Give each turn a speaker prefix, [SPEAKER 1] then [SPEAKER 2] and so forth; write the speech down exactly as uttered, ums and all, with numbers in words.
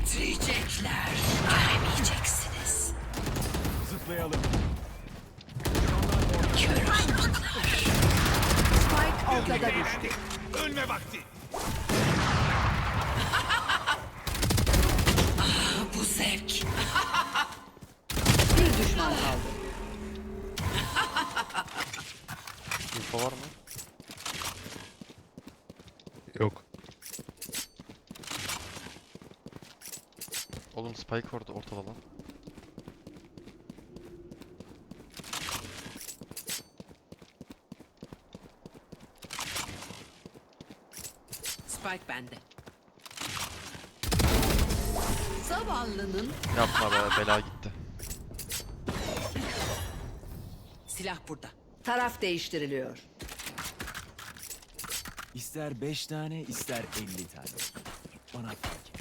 [SPEAKER 1] Titriyecekler. Göremeyeceksiniz.
[SPEAKER 2] Zıplayalım.
[SPEAKER 1] Kör ahmaklar.
[SPEAKER 3] Spike ortada düştü.
[SPEAKER 2] Ölme vakti.
[SPEAKER 1] Bu zevk.
[SPEAKER 3] Bir düşman kaldı.
[SPEAKER 4] Info var mı?
[SPEAKER 5] Yok.
[SPEAKER 4] Oğlum Spike orada ortada lan.
[SPEAKER 3] Spike bende. Zavallının
[SPEAKER 4] Yapma be, bela gitti.
[SPEAKER 3] silah burada. Taraf değiştiriliyor.
[SPEAKER 2] İster beş tane, ister elli tane. Bana fark